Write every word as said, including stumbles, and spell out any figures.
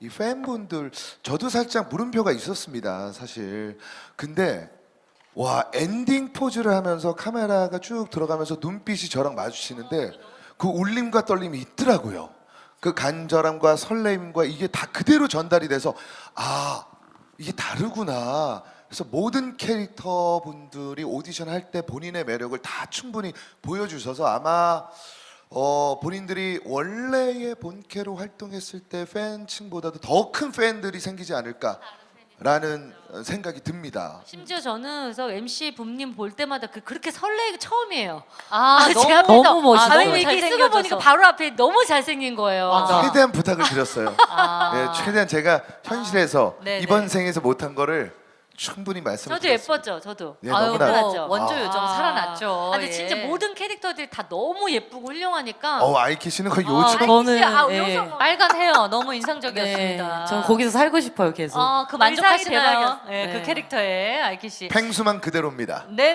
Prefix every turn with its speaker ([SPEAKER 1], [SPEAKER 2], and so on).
[SPEAKER 1] 이 팬분들 저도 살짝 물음표가 있었습니다, 사실. 근데 와, 엔딩 포즈를 하면서 카메라가 쭉 들어가면서 눈빛이 저랑 마주치는데 그 울림과 떨림이 있더라고요. 그 간절함과 설레임과 이게 다 그대로 전달이 돼서 아, 이게 다르구나. 그래서 모든 캐릭터 분들이 오디션 할 때 본인의 매력을 다 충분히 보여주셔서 아마 어, 본인들이 원래의 본캐로 활동했을 때 팬층보다도 더 큰 팬들이 생기지 않을까라는 생각이 듭니다.
[SPEAKER 2] 심지어 저는 그래서 엠씨 붐님 볼 때마다 그 그렇게 설레기 처음이에요.
[SPEAKER 3] 아,
[SPEAKER 2] 제
[SPEAKER 3] 너무,
[SPEAKER 2] 앞에서
[SPEAKER 3] 너무 멋있어요.
[SPEAKER 2] 아, 너무 이렇게 쓰고 보니까 바로 앞에 너무 잘생긴 거예요.
[SPEAKER 3] 맞아.
[SPEAKER 1] 최대한 부탁을 드렸어요.
[SPEAKER 3] 아.
[SPEAKER 1] 네, 최대한 제가 현실에서
[SPEAKER 3] 아, 네네.
[SPEAKER 1] 이번 생에서 못한 거를 충분히 말씀을
[SPEAKER 2] 저도
[SPEAKER 1] 드렸습니다.
[SPEAKER 2] 예뻤죠, 저도.
[SPEAKER 1] 네,
[SPEAKER 3] 아유,
[SPEAKER 1] 너무나.
[SPEAKER 3] 뭐
[SPEAKER 2] 살아났죠.
[SPEAKER 3] 원조
[SPEAKER 1] 아.
[SPEAKER 3] 요정 살아났죠.
[SPEAKER 2] 아, 근데
[SPEAKER 3] 예.
[SPEAKER 2] 진짜 모든 캐릭터들이 다 너무 예쁘고 훌륭하니까.
[SPEAKER 1] 어, 아이키 씨는 거의
[SPEAKER 3] 아,
[SPEAKER 1] 요즘
[SPEAKER 2] 아이키
[SPEAKER 3] 저는,
[SPEAKER 2] 씨, 아,
[SPEAKER 3] 예.
[SPEAKER 2] 요정.
[SPEAKER 3] 빨간 헤어 너무 인상적이었습니다.
[SPEAKER 4] 네, 전 거기서 살고 싶어요 계속.
[SPEAKER 3] 어, 그
[SPEAKER 2] 의상이
[SPEAKER 3] 만족하시나요?
[SPEAKER 2] 대박이었어요.
[SPEAKER 3] 예,
[SPEAKER 4] 네.
[SPEAKER 3] 그 캐릭터에 아이키 씨.
[SPEAKER 1] 팽수만 그대로입니다.
[SPEAKER 3] 네.